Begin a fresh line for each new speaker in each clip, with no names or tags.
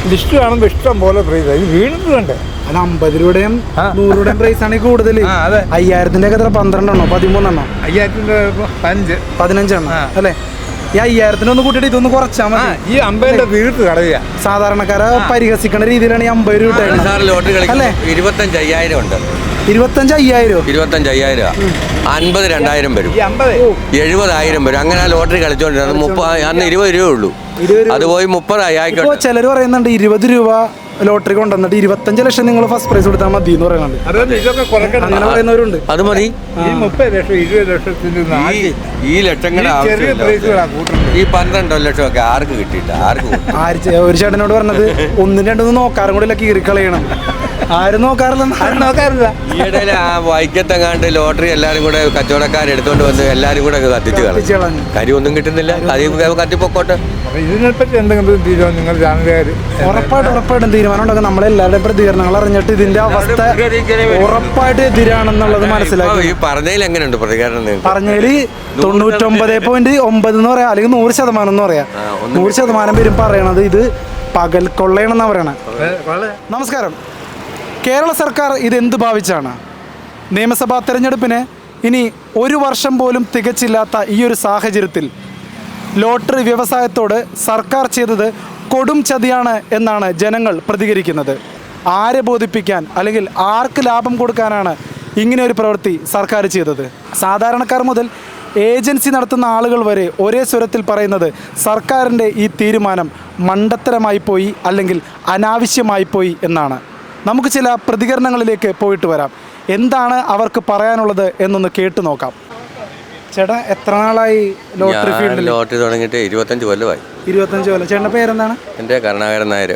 List കാണുമ്പോൾ ഇഷ്ടം പോലെ പ്രൈസ് ഇത് വീണിട്ട് വേണ്ടേ.
അല്ല 50 രൂപയുടെയും 100 രൂപയുടെയും പ്രൈസ് ആണ് കൂടുതൽ. 5000-ന്റെ ഒക്കെ എത്ര 12 എണ്ണോ 13 എണ്ണോ
5000
15 എണ്ണോ അല്ലേ? ഈ 5000-ന് ഒന്ന് കൂട്ടിയിട്ട് ഇതൊന്ന് കുറച്ചാൽ മതി.
ഈ 50 വീട്ട് കളയുക.
സാധാരണക്കാരെ പരിഹസിക്കുന്ന രീതിയിലാണ് ഈ 50 രൂപ
അല്ലേ? 25,000 ഉണ്ട്.
25,000
25,000 50 2000 വരും, 70,000 വരും. അങ്ങനെ ആ ലോട്ടറി കളിച്ചോണ്ടിരുന്നത് അന്ന് 20 രൂപ ഉള്ളൂ. അത് പോയി 30 ആയിക്കോട്ടെ.
ചിലർ പറയുന്നുണ്ട് 20 രൂപ ലോട്ടറി കൊണ്ടുവന്നിട്ട് 25 ലക്ഷം നിങ്ങൾ ഫസ്റ്റ് പ്രൈസ് കൊടുത്താൽ മതി എന്ന് പറയുന്നുണ്ട്. അങ്ങനെ പറയുന്നവരുണ്ട്.
അത് മതി.
ഈ 30 ലക്ഷം 20 ലക്ഷത്തിന്
ഈ ലക്ഷങ്ങളുടെ ഈ 12 ലക്ഷമൊക്കെ ആർക്ക് കിട്ടിയില്ല?
ഒരു ചേട്ടനോട് പറഞ്ഞത് 1-2 നോക്കാറും കൂടെ കീറിക്കളയണം. ആരും നോക്കാറില്ല.
ഈയിടയിൽ ആ വൈക്കത്തെങ്ങാണ്ട് ലോട്ടറി എല്ലാരും കൂടെ കച്ചവടക്കാരെടുത്തോണ്ട് വന്ന് എല്ലാരും കൂടെ കത്തിച്ചു കളഞ്ഞു. കരിയൊന്നും കിട്ടുന്നില്ല. കത്തിപ്പൊക്കോട്ടെ.
ഇതിനെപ്പറ്റി എന്തെങ്കിലും തീരുമാനം നിങ്ങൾ ചാനലുകാർ
ഉറപ്പായിട്ടും തീരുമാനം ഉണ്ടാക്കും. നമ്മളെല്ലാവരുടെയും പ്രതികരണങ്ങൾ അറിഞ്ഞിട്ട് ഇതിന്റെ അവസ്ഥ ഉറപ്പായിട്ട് എതിരാണെന്നുള്ളത് മനസ്സിലാക്കി.
പറഞ്ഞതിൽ എങ്ങനെയുണ്ട് പ്രതികരണം?
പറഞ്ഞതിൽ 99.9 എന്ന് പറയാം, അല്ലെങ്കിൽ 100% എന്ന് പറയാം. 100% പേരും പറയണത് ഇത് പകൽ കൊള്ളയണെന്നാണ് പറയണത്. നമസ്കാരം. കേരള സർക്കാർ ഇതെന്ത് ഭാവിച്ചാണ്? നിയമസഭാ തെരഞ്ഞെടുപ്പിന് ഇനി 1 വർഷം പോലും തികച്ചില്ലാത്ത ഈ ഒരു സാഹചര്യത്തിൽ ലോട്ടറി വ്യവസായത്തോട് സർക്കാർ ചെയ്തത് കൊടും ചതിയാണ് എന്നാണ് ജനങ്ങൾ പ്രതികരിക്കുന്നത്. ആരെ ബോധിപ്പിക്കാൻ അല്ലെങ്കിൽ ആർക്ക് ലാഭം കൊടുക്കാനാണ് ഇങ്ങനെ ഒരു പ്രവൃത്തി സർക്കാർ ചെയ്തത്? സാധാരണക്കാർ മുതൽ ഏജൻസി നടത്തുന്ന ആളുകൾ വരെ ഒരേ സ്വരത്തിൽ പറയുന്നത് സർക്കാരിൻ്റെ ഈ തീരുമാനം മണ്ടത്തരമായി പോയി അല്ലെങ്കിൽ അനാവശ്യമായി പോയി എന്നാണ്. നമുക്ക് ചില പ്രതികരണങ്ങളിലേക്ക് പോയിട്ട് വരാം. എന്താണ് അവർക്ക് പറയാനുള്ളത് എന്നൊന്ന് കേട്ടു നോക്കാം. ചേട്ടാ, എത്ര നാളായി ലോട്ടറി ഫീൽഡിൽ?
ലോട്ടറി തുടങ്ങിയിട്ട് 25 കൊല്ലമായി.
25 കൊല്ലം. ചേട്ടൻ്റെ പേരെന്താണ്?
എൻ്റെ കരുണാകരൻ നായർ.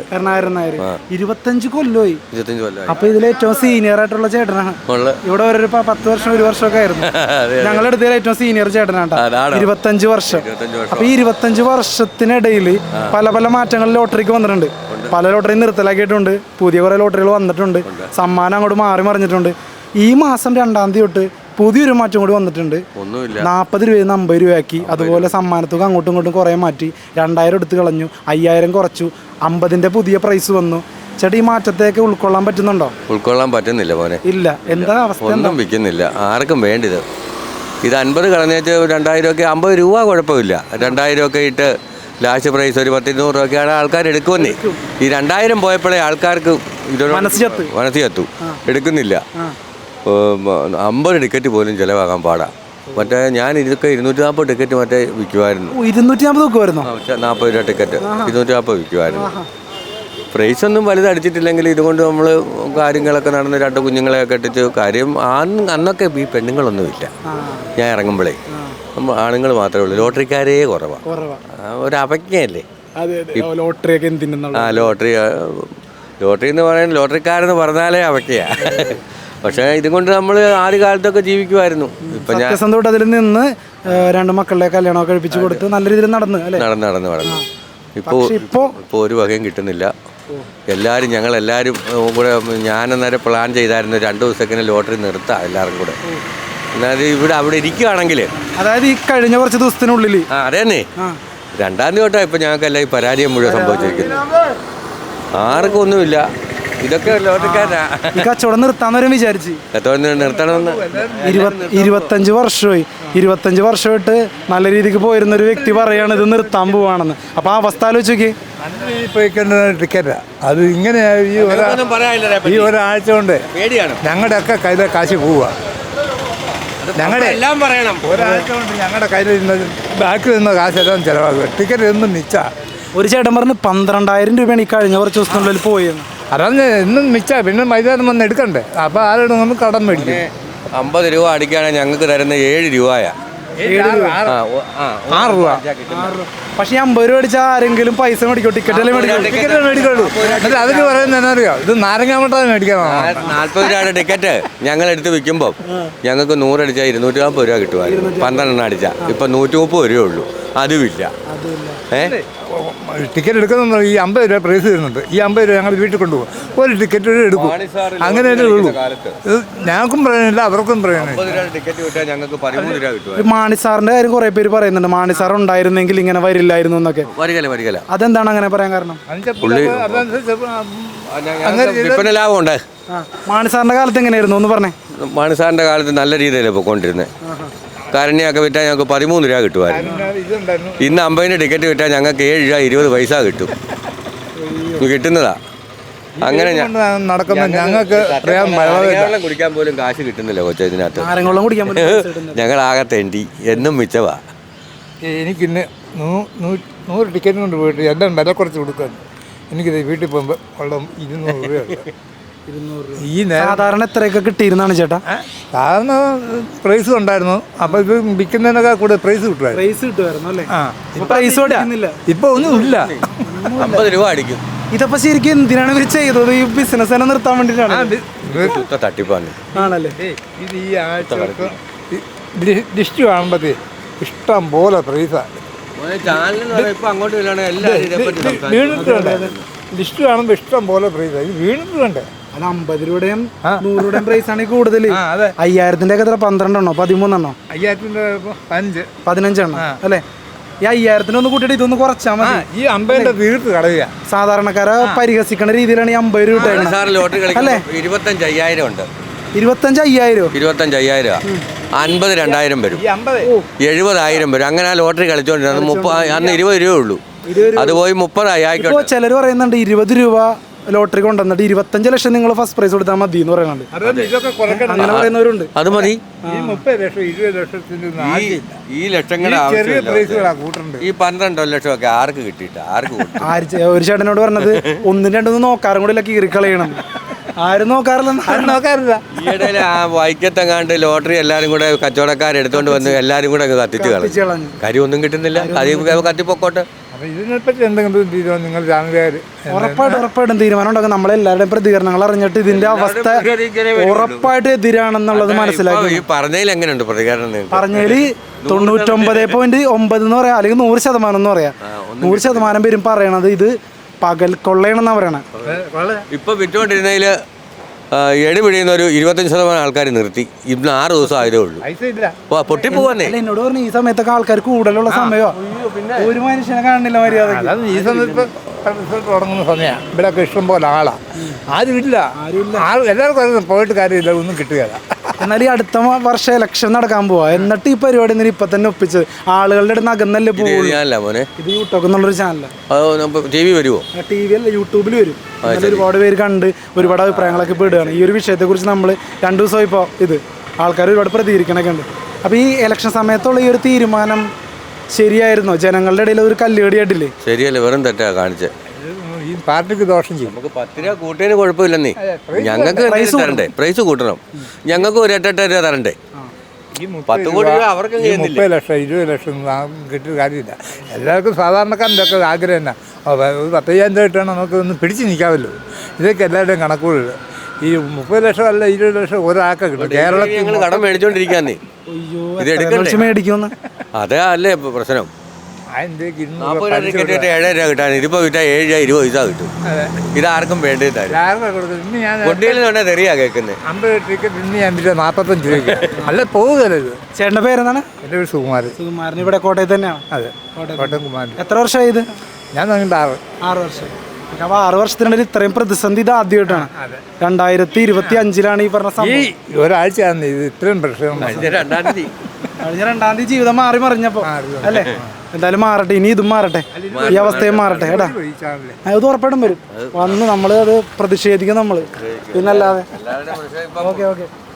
25 കൊല്ലമായി.
25 കൊല്ലമായി.
അപ്പൊ ഇതിൽ ഏറ്റവും സീനിയർ ആയിട്ടുള്ള ചേട്ടനാണ്. ഇവിടെ ഒരു 10 വർഷം 1 വർഷമൊക്കെ ആയിരുന്നു. ഞങ്ങളുടെ അടുത്ത് ഏറ്റവും സീനിയർ ചേട്ടനാണ്. 25 വർഷം. അപ്പൊ ഈ 25 വർഷത്തിനിടയിൽ പല പല മാറ്റങ്ങൾ ലോട്ടറിക്ക് വന്നിട്ടുണ്ട്. പല ലോട്ടറി നിർത്തലാക്കിയിട്ടുണ്ട്. പുതിയ കുറെ ലോട്ടറികൾ വന്നിട്ടുണ്ട്. സമ്മാനം അങ്ങോട്ട് മാറി മറിഞ്ഞിട്ടുണ്ട്. ഈ മാസം 2-ാം തീയതി തൊട്ട് പുതിയൊരു മാറ്റം കൂടി വന്നിട്ടുണ്ട്. 40 രൂപയിൽ നിന്ന് 50 രൂപയാക്കി. അതുപോലെ സമ്മാനത്തുക അങ്ങോട്ടും ഇങ്ങോട്ടും കുറേ മാറ്റി. 2000 എടുത്ത് കളഞ്ഞു, 5000 കുറച്ചു, 50-ന്റെ പുതിയ പ്രൈസ് വന്നു. ചേട്ടാ, ഈ മാറ്റത്തേക്ക് ഉൾക്കൊള്ളാൻ പറ്റുന്നുണ്ടോ?
ഉൾക്കൊള്ളാൻ പറ്റുന്നില്ല മോനെ.
ഇല്ല. എന്താ അവസ്ഥ?
ഒന്നും വിൽക്കുന്നില്ല, ആർക്കും വേണ്ടിയത്. ഇത് 50 കളഞ്ഞേച്ച് 2000 ഒക്കെ 50 രൂപ കുഴപ്പമില്ല. 2000 ഒക്കെ ഇട്ട് ലാസ്റ്റ് പ്രൈസ് ഒരു 10-200 രൂപയൊക്കെയാണ് ആൾക്കാർ എടുക്കുമെന്നേ. ഈ 2000 പോയപ്പോഴേ ആൾക്കാർക്ക് മനസ്സ് ചത്തു. എടുക്കുന്നില്ല. 50 ടിക്കറ്റ് പോലും ചിലവാകാൻ പാടാ. മറ്റേ ഞാൻ ഇതൊക്കെ 240 ടിക്കറ്റ് മറ്റേ വിൽക്കുമായിരുന്നു.
240 വെക്കുമായിരുന്നു?
40 രൂപ ടിക്കറ്റ് 240 വിൽക്കുമായിരുന്നു. പ്രൈസ് ഒന്നും വലുതടിച്ചിട്ടില്ലെങ്കിൽ ഇതുകൊണ്ട് നമ്മൾ കാര്യങ്ങളൊക്കെ നടന്ന് 2 കുഞ്ഞുങ്ങളെയൊക്കെ ഇട്ടിട്ട് കാര്യം. അന്നൊക്കെ ഈ പെണ്ണുങ്ങളൊന്നുമില്ല. ഞാൻ ഇറങ്ങുമ്പോഴേ ആണുങ്ങൾ മാത്രമേ ഉള്ളൂ. ലോട്ടറിക്കാരേ കുറവാണ്. ഒരു അവജ്ഞയല്ലേ ലോട്ടറി എന്ന് പറയുന്നത്. ലോട്ടറിക്കാരെന്ന് പറഞ്ഞാലേ അവജ്ഞയാ. പക്ഷേ ഇതുകൊണ്ട് നമ്മൾ ആദ്യ കാലത്തൊക്കെ ജീവിക്കുമായിരുന്നു. ഇപ്പം ഞാൻ
അതിൽ നിന്ന് 2 മക്കളുടെ കല്യാണം കഴിപ്പിച്ചു കൊടുത്ത് നല്ല രീതിയിൽ നടന്നു. ഇപ്പോൾ
ഒരു വകയും കിട്ടുന്നില്ല. ഞങ്ങളെല്ലാവരും കൂടെ ഞാനന്നേരം പ്ലാൻ ചെയ്തായിരുന്നു 2 ദിവസത്തേക്കിന് ലോട്ടറി നിർത്താം എല്ലാവരും കൂടെ. എന്നാൽ അവിടെ ഇരിക്കുകയാണെങ്കിൽ, അതായത്
ഈ കഴിഞ്ഞ കുറച്ച് ദിവസത്തിനുള്ളിൽ
അതേന്നെ 2-ാം തീയതി തൊട്ടാണ് ഇപ്പം ഞങ്ങൾക്കെല്ലാം ഈ പരാജയം മുഴുവൻ സംഭവിച്ചിരിക്കുന്നത്. ആർക്കും ഒന്നുമില്ല. ഇതൊക്കെ ലോട്ടറിക്കാരാ.
കച്ചവടം നിർത്താന്നവരും വിചാരിച്ച്
നിർത്തണമെന്ന്
25 വർഷമായിട്ട് നല്ല രീതിക്ക് പോയിരുന്നൊരു വ്യക്തി പറയാണ് ഇത് നിർത്താൻ പോവാണെന്ന്. അപ്പൊ ആ അവസ്ഥ ആലോചിക്ക്.
ടിക്കറ്റാ അത് ഇങ്ങനെ ഈ ഒരാഴ്ച കൊണ്ട് ഞങ്ങളുടെ ഒക്കെ കയ്യിലെ കാശ് പോവുക. ഞങ്ങളുടെ എല്ലാം പറയണം. ഒരാഴ്ച കൊണ്ട് ഞങ്ങളുടെ കയ്യിൽ ബാക്കിൽ നിന്ന കാശെല്ലാം ചിലവാക്കുക. ടിക്കറ്റ് എന്നും മിച്ചാ.
ഒരു ചേട്ടൻ പറഞ്ഞ് 12,000 രൂപയാണ് ഈ കഴിഞ്ഞ കുറച്ച് ദിവസത്തിനുള്ളിൽ പോയെന്ന്.
അതാണ് എന്നും മിച്ചാ. പിന്നെ മൈതാനം വന്ന് എടുക്കണ്ടേ. അപ്പോൾ ആരോടും നമ്മൾ കടം മേടിക്കും.
50 രൂപ അടിക്കുകയാണെങ്കിൽ ഞങ്ങൾക്ക് തരുന്ന 7 രൂപയാ.
6 രൂപ.
പക്ഷെ 50 രൂപ അടിച്ചാൽ ആരെങ്കിലും പൈസ മേടിക്കോ? ടിക്കറ്റ്
മേടിക്കുള്ളൂ. എന്നിട്ട് അതിന് പറയുന്നത് എന്നാ അറിയോ? ഇത് നാരങ്ങാമട്ടാണ് മേടിക്കണം.
40 രൂപയുടെ ടിക്കറ്റ് ഞങ്ങൾ എടുത്ത് വിൽക്കുമ്പോൾ ഞങ്ങൾക്ക് 100 അടിച്ചാൽ 240 രൂപ കിട്ടുമായിരുന്നു. 12 അടിച്ചാൽ ഇപ്പം 130 രൂപയേ ഉള്ളൂ. അതുമില്ല.
ടിക്കറ്റ് എടുക്കുന്ന ഈ 50 രൂപ പ്രൈസ് തരുന്നുണ്ട്. ഈ 50 രൂപ ഞങ്ങൾ വീട്ടിൽ കൊണ്ടുപോകും. ഒരു ടിക്കറ്റ് എടുക്കും. അങ്ങനെ തന്നെ ഉള്ളൂ. ഇത് ഞങ്ങൾക്കും പറയാനില്ല, അവർക്കും പറയാനില്ല.
മാണിസാറിന്റെ കാര്യം കുറെ പേര് പറയുന്നുണ്ട്. മാണിസാർ ഉണ്ടായിരുന്നെങ്കിൽ ഇങ്ങനെ വരില്ലായിരുന്നു എന്നൊക്കെ. അതെന്താണ് അങ്ങനെ പറയാൻ കാരണം?
ലാഭമുണ്ട്.
മാണിസാറിന്റെ കാലത്ത് എങ്ങനെയായിരുന്നു ഒന്ന് പറഞ്ഞേ?
മാണിസാറിന്റെ കാലത്ത് നല്ല രീതിയിലാണ് പോയിക്കൊണ്ടിരുന്നത്. കരണിയൊക്കെ വിറ്റാൽ ഞങ്ങൾക്ക് 13 രൂപ കിട്ടുമായിരുന്നു. ഇന്ന് 50 ടിക്കറ്റ് വിറ്റാൽ ഞങ്ങൾക്ക് 7 രൂപ 20 പൈസ കിട്ടും. കിട്ടുന്നതാ. അങ്ങനെ
നടക്കുമ്പോൾ ഞങ്ങൾക്ക്
വെള്ളം കുടിക്കാൻ പോലും കാശ് കിട്ടുന്നില്ല കൊച്ചു ഇതിനകത്ത്. ഞങ്ങളാകെ തെണ്ടി എന്നും മിച്ചവാ.
എനിക്കിന്ന് 100 ടിക്കറ്റ് കൊണ്ട് പോയിട്ട് എല്ലാം വില കുറച്ച് കൊടുക്കാൻ എനിക്കിത് വീട്ടിൽ പോകുമ്പോൾ വെള്ളം 200 രൂപയുണ്ട്.
ഈ സാധാരണ എത്രയൊക്കെ കിട്ടിയിരുന്നാണ് ചേട്ടാ?
സാധാരണ പ്രൈസ് ഉണ്ടായിരുന്നു. അപ്പോൾ ഇത് വിൽക്കുന്നതിനൊക്കെ കൂടെ പ്രൈസ്
കിട്ടുമായിരുന്നു അല്ലേ?
ഇപ്പൊ ഒന്നും ഇല്ല.
50 രൂപ അടിക്കും.
ഇതപ്പോ ശരിക്കും എന്തിനാണ് ഇവർ ചെയ്തത്? ഈ ബിസിനസ് തന്നെ നിർത്താൻ വേണ്ടിയിട്ടാണ്.
തട്ടിപ്പാണ്
ആണല്ലേ? ഇത് ഈ ആഴ്ച ലിസ്റ്റ് കാണുമ്പോഴത്തേ ഇഷ്ടം പോലെ പ്രൈസാണ്. ലിസ്റ്റ് കാണുമ്പോൾ ഇഷ്ടം പോലെ പ്രൈസാണ്. ഇത് വീണിട്ട് വേണ്ടേ?
അല്ല 50 രൂപയുടെയും 100 രൂപയുടെയും പ്രൈസ് ആണ് കൂടുതൽ. 5000-ന്റെ ഒക്കെ 12 എണ്ണോ 13 എണ്ണോ?
15
എണ്ണം അല്ലേ? ഈ 5000-ന് ഒന്ന് കൂട്ടിയിട്ട് ഇതൊന്ന് കുറച്ചാൽ മതി.
ഈ 50 തീർത്ത് കളയുക.
സാധാരണക്കാരെ പരിഹസിക്കുന്ന രീതിയിലാണ് ഈ 50 രൂപ
അല്ലേ? 25,000 ഉണ്ട്.
25,000
25,000 50 2000 വരും. 70,000 വരും. അങ്ങനെ ആ ലോട്ടറി കളിച്ചോണ്ടിരുന്നത് അന്ന് 20 രൂപ ഉള്ളൂ. അത് പോയി 30 ആയിക്കോട്ടെ.
ചിലർ പറയുന്നുണ്ട് 20 രൂപ ലോട്ടറി കൊണ്ടുവന്നിട്ട് 25 ലക്ഷം നിങ്ങൾ ഫസ്റ്റ് പ്രൈസ് കൊടുത്താൽ മതി എന്ന് പറയുന്നുണ്ട്. അങ്ങനെ പറയുന്നവരുണ്ട്.
അത് മതി. ഈ ലക്ഷങ്ങളുടെ ഈ 12 ലക്ഷമൊക്കെ ആർക്ക് കിട്ടിയിട്ട്
ഒരു ചേട്ടനോട് പറഞ്ഞത് 1-2 നോക്കാറും കൂടെ കീറിക്കളയണം. ആരും നോക്കാറില്ല.
ഈയിടയിൽ ആ വൈക്കത്തെങ്ങാണ്ട് ലോട്ടറി എല്ലാരും കൂടെ കച്ചവടക്കാരെടുത്തോണ്ട് വന്ന് എല്ലാരും കൂടെ അങ്ങ് കത്തിച്ച് കളഞ്ഞു. കാര്യമൊന്നും കിട്ടുന്നില്ല. അത് കത്തിപ്പൊക്കോട്ടെ.
ഇതിനെപ്പറ്റി എന്തെങ്കിലും തീരുമാനം നിങ്ങൾ ചാനലുകാർ
ഉറപ്പായിട്ടും തീരുമാനം ഉണ്ടാക്കും. നമ്മളെല്ലാവരുടെയും പ്രതികരണങ്ങൾ അറിഞ്ഞിട്ട് ഇതിന്റെ അവസ്ഥ ഉറപ്പായിട്ട് എതിരാണെന്നുള്ളത് മനസ്സിലാക്കി.
പറഞ്ഞതിൽ എങ്ങനെയുണ്ട് പ്രതികരണം?
പറഞ്ഞതിൽ 99.9 എന്ന് പറയാം, അല്ലെങ്കിൽ 100% എന്ന് പറയാം. 100% പേരും പറയണത് ഇത് പകൽ കൊള്ളയണെന്നാ പറയണേ.
ഇപ്പൊ വിറ്റുകൊണ്ടിരുന്നതിൽ എടി പിടിയുന്ന ഒരു 25% ആൾക്കാർ നിർത്തി. ഇന്ന് 6 ദിവസം ആയതേ ഉള്ളൂ. പൊട്ടിപ്പോവാന്നേ.
എന്നോട് പറഞ്ഞു ഈ സമയത്തൊക്കെ ആൾക്കാർ കൂടുതലുള്ള സമയമോ ഒരു മനുഷ്യനെ കാണുന്നില്ല മര്യാദ.
ഈ സമയത്ത് തുടങ്ങുന്ന സമയമാണ്. ഇവിടെയൊക്കെ ഇഷ്ടം പോലെ ആളാ. ആരുമില്ല. എല്ലാവർക്കും പോയിട്ട് കാര്യമില്ല, ഒന്നും കിട്ടുകയില്ല.
എന്നാൽ ഈ അടുത്ത വർഷം ഇലക്ഷൻ നടക്കാൻ പോവാ. എന്നിട്ട് ഈ പരിപാടി ഇപ്പൊ തന്നെ ഒപ്പിച്ചത് ആളുകളുടെ അടുത്ത് അകന്നല്ലേ പോകുള്ളൂ. ഇത് യൂട്യൂബ് എന്നുള്ളൊരു ചാനലാണ്.
TV വരുമോ?
TV അല്ല, യൂട്യൂബിൽ വരും. ഒരുപാട് പേര് കണ്ട് ഒരുപാട് അഭിപ്രായങ്ങളൊക്കെ പെടുകയാണ്. ഈ ഒരു വിഷയത്തെക്കുറിച്ച് നമ്മൾ 2 ദിവസം ഇപ്പോൾ ആൾക്കാർ ഒരുപാട് പ്രതികരിക്കണൊക്കെ ഉണ്ട്. അപ്പോൾ ഈ ഇലക്ഷൻ സമയത്തുള്ള ഈ ഒരു തീരുമാനം ശരിയായിരുന്നോ? ജനങ്ങളുടെ ഇടയിൽ ഒരു കല്ലുകടിയായിട്ടില്ലേ?
ശരിയല്ലേ? വെറും തെറ്റാ കാണിച്ചത്.
ഈ പാർട്ടിക്ക് ദോഷം ചെയ്യും.
നമുക്ക് 10 രൂപ കൂട്ടിയതിന് കുഴപ്പമില്ലെന്നേ. ഞങ്ങൾക്ക് തരണ്ടേ? പ്രൈസ് കൂട്ടണം. ഞങ്ങൾക്ക് ഒരു 8-8 രൂപ തരണ്ടേ? 10 കോടി രൂപ അവർക്ക്
30 ലക്ഷം 20 ലക്ഷം കിട്ടിയ കാര്യമില്ല. എല്ലാവർക്കും സാധാരണക്കാരൻ്റെ ഒക്കെ ആഗ്രഹം തന്നെ 10,000 രൂപ കിട്ടണം, നമുക്ക് ഒന്ന് പിടിച്ച് നിൽക്കാമല്ലോ. ഇതൊക്കെ എല്ലാവരുടെയും കണക്കുകളിൽ ഈ 30 ലക്ഷം അല്ല 20 ലക്ഷം ഒരാൾക്ക് കിട്ടും. കേരളത്തിൽ
ഞങ്ങൾ കടം മേടിച്ചോണ്ടിരിക്കാന്നേ. ഇത് എടുക്കണ്ടേ? അതേ അല്ലേ പ്രശ്നം. 40 ടിക്കറ്റ് 7 രൂപ കിട്ടാൻ ഇതിപ്പോ വിറ്റാൽ 7 രൂപ 20 പൈസ കിട്ടും. ഇതാർക്കും വേണ്ടതായിരുന്നു. തെറിയാ കേൾക്കുന്നത്.
50 ടിക്കറ്റ് ഇന്ന് ഞാൻ 45 രൂപ അല്ല പോകുകയല്ല. ഇത്
ചേട്ടൻ്റെ പേരെന്താണ്?
എൻ്റെ പേര് സുകുമാരൻ.
ഇവിടെ കോട്ടയത്ത് തന്നെയാണ്.
അതെ, കോട്ടയം കുമാരൻ.
എത്ര വർഷമായി ഇത്?
ഞാൻ തുടങ്ങിയിട്ട് 6
വർഷം. അപ്പോൾ 6 വർഷത്തിനിടയിൽ ഇത്രയും പ്രതിസന്ധി ഇത് ആദ്യമായിട്ടാണ്. 2025 ഈ പറഞ്ഞ
ഈ ഒരാഴ്ചയാണ് ഇത് ഇത്രയും പ്രശ്നം.
കഴിഞ്ഞ 2-ാം തീയതി
ജീവിതം മാറി മറിഞ്ഞപ്പോ അല്ലേ? എന്തായാലും മാറട്ടെ, ഇനി ഇതും മാറട്ടെ, ഈ അവസ്ഥയും മാറട്ടെ. ഏട്ടാ ഇത് ഉറപ്പായിട്ടും വരും. വന്ന് നമ്മൾ അത് പ്രതിഷേധിക്കും നമ്മൾ, പിന്നല്ലാതെ. ഓക്കെ.